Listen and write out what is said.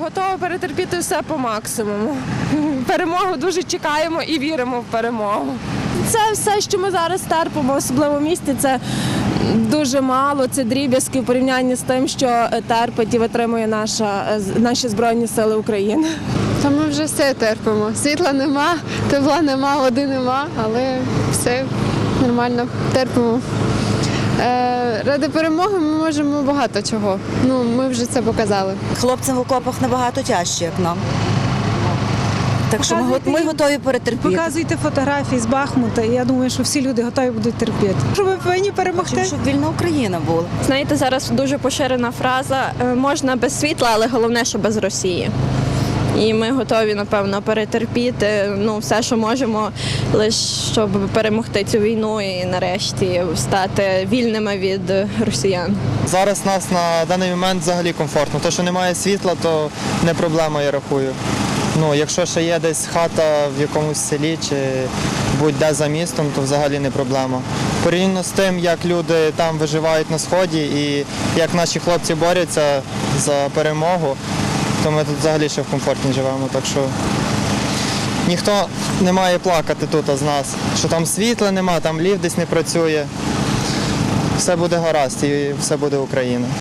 Готова перетерпіти все по максимуму. Перемогу дуже чекаємо і віримо в перемогу. Це все, що ми зараз терпимо, особливо в місті, це дуже мало, це дріб'язки в порівнянні з тим, що терпить і витримує наші Збройні Сили України. Та ми вже все терпимо. Світла нема, тепла нема, води нема, але все нормально, терпимо. Ради перемоги ми можемо багато чого. Ми вже це показали. Хлопцям в окопах набагато тяжче, як нам. Так що ми готові перетерпіти. Показуйте фотографії з Бахмута, і я думаю, що всі люди готові будуть терпіти. Що ми повинні перемогти. Щоб вільна Україна була. Знаєте, зараз дуже поширена фраза «можна без світла, але головне, що без Росії». І ми готові, напевно, перетерпіти все, що можемо, лише щоб перемогти цю війну і нарешті стати вільними від росіян. Зараз нас на даний момент взагалі комфортно. То, що немає світла, то не проблема, я рахую. Якщо ще є десь хата в якомусь селі чи будь-де за містом, то взагалі не проблема. Порівняно з тим, як люди там виживають на Сході і як наші хлопці борються за перемогу, то ми тут взагалі ще в комфорті живемо. Так що ніхто не має плакати тут з нас, що там світла нема, там ліфт десь не працює. Все буде гаразд і все буде Україна.